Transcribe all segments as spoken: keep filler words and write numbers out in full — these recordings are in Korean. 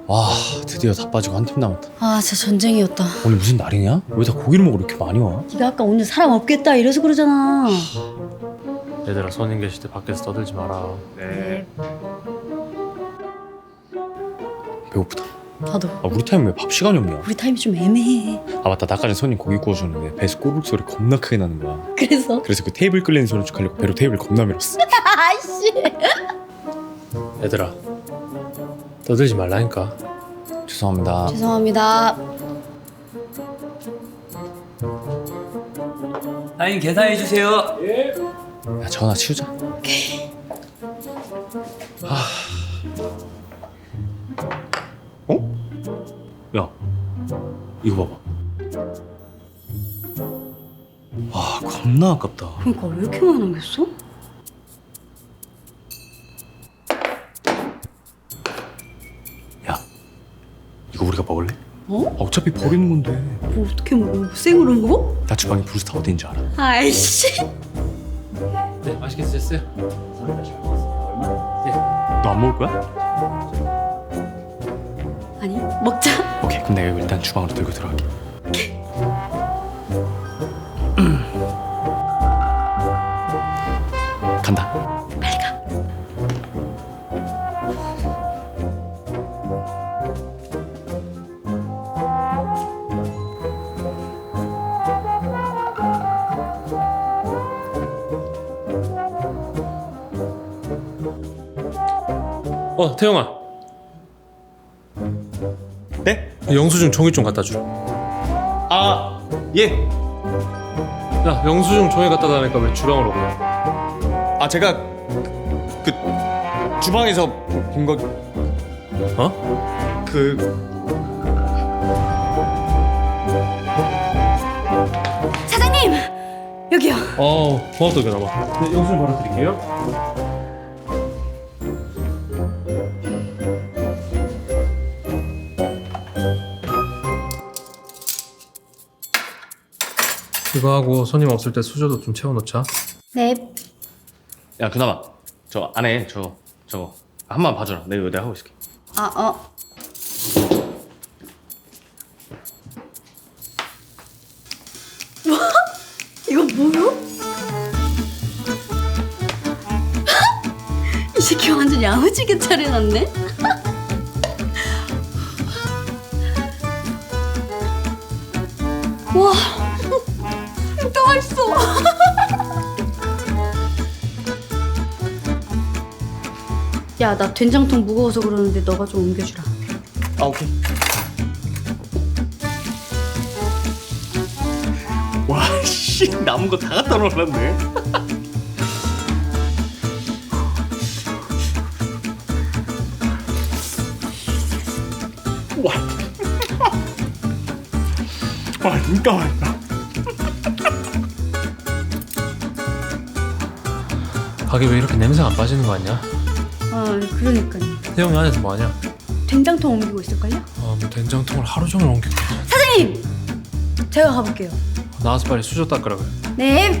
와 드디어 다 빠지고 한 팀 남았다. 아 진짜 전쟁이었다. 오늘 무슨 날이냐? 왜 다 고기를 먹으러 이렇게 많이 와? 네가 아까 오늘 사람 없겠다 이래서 그러잖아. 얘들아 손님 계실 때 밖에서 떠들지 마라. 네. 배고프다. 나도. 아 우리 타임 왜 밥 시간이 없냐? 우리 타임이 좀 애매해. 아 맞다, 나까지 손님 고기 구워주는데 배에서 꼬르륵 소리 겁나 크게 나는 거야. 그래서? 그래서 그 테이블 끌리는 소리 쭉 하려고 배로 테이블 겁나 밀었어. 아이씨. 얘들아 떠들지 말라니까. 죄송합니다. 죄송합니다. 사장님 계산해 주세요. 야 전화 치우자. 아. 어? 야 이거 봐봐. 와 겁나 아깝다. 그러니까 왜 이렇게 많이 남겼어? 야 이거 우리가 먹을래? 어? 아, 어차피 버리는 건데. 뭐 어떻게 먹어? 생으로 먹어? 나 주방에 브루스타 어디인지 알아. 아이씨. 네 맛있게 드셨어요? 너 안 먹을 거야? 아니 먹자. 오케이 그럼 내가 이거 일단 주방으로 들고 들어갈게. 간다. 빨리 가. 어 태영아 네? 영수증 종이 좀 갖다 주라. 아 예. 야 영수증 종이 갖다 달라니까 왜 주방으로 그래? 아 제가 그, 그 주방에서 본 거. 어? 그 사장님 여기요. 어 고맙다 그나마. 네 영수증 바로 드릴게요. 이거 하고 손님 없을 때 수저도 좀 채워놓자. 네. 야 그나마 저 안에 저 저거 한 번 봐줘라. 내가 이거 내가 하고 있을게. 아 어. 뭐? 이거 뭐요? 이 새끼 완전 야무지게 차려놨네. 와, 진짜 맛있어. 야, 나 된장통 무거워서 그러는데 너가 좀 옮겨주라. 아 오케이. 와씨 남은 거 다 갖다 놓았네. 와. 와 진짜 맛있다. 가게 왜 이렇게 냄새가 안 빠지는 거 같냐? 아, 그러니까요. 태영이 안에서 뭐 하냐? 된장통 옮기고 있을걸요? 아, 뭐 된장통을 하루 종일 옮기고. 사장님! 제가 가볼게요. 나와서 빨리 수저 닦으라 그래. 네.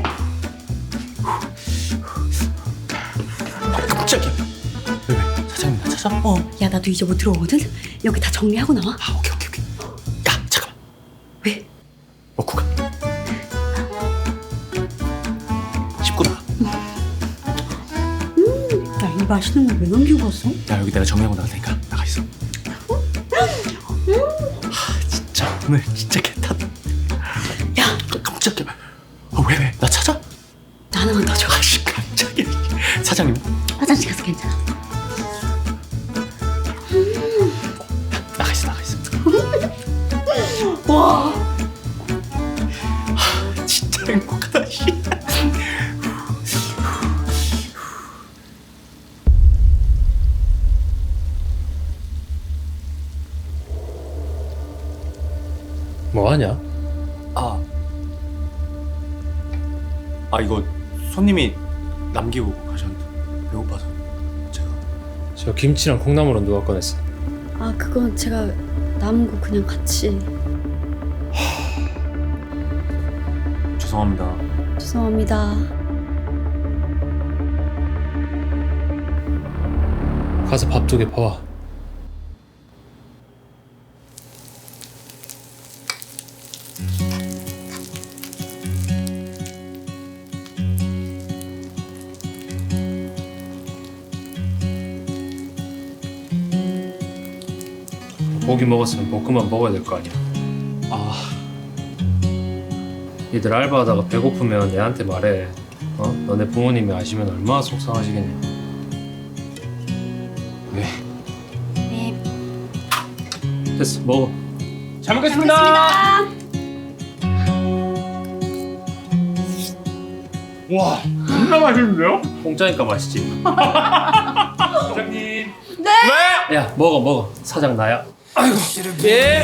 깜짝이야. 왜 왜? 사장님 나 찾아? 어. 야, 나도 이제 못 들어오거든? 여기 다 정리하고 나와. 아 오케이 오케이 오케이. 야 잠깐만. 왜? 먹고 가. 씹고 나가. 야, 이 맛있는 거 왜 남기고 왔어? 야 여기 내가 정리하고 나갈 테니까 나가 있어. 아 진짜 오늘 진짜 개탔다. 야, 깜짝이야. 아, 왜 왜? 나 찾아? 나 하나만 더 줘. 아씨 깜짝이야. 사장님. 화장실 가서 괜찮아. 나가 있어 나가 있어. 와. 진짜 행복하다 씨. 뭐 하냐? 아. 아 이거 손님이 남기고 가셨는데 배고파서 제가. 저 김치랑 콩나물은 누가 꺼냈어? 아, 그건 제가 남은 거 그냥 같이. 죄송합니다. 죄송합니다. 가서 밥 두 개 퍼와. 고기 먹었으면 볶음밥 먹어야 될 거 아니야. 아, 니들 알바하다가 배고프면 얘한테 말해. 어? 너네 부모님이 아시면 얼마나 속상하시겠냐. 네. 네. 됐어, 먹어. 잘 먹겠습니다. 와, 겁나 맛있는데요? 공짜니까 맛있지. 사장님. 네. 야, 먹어, 먹어. 사장 나야. 예.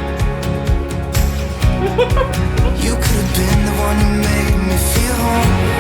You could have been the one who made me feel home.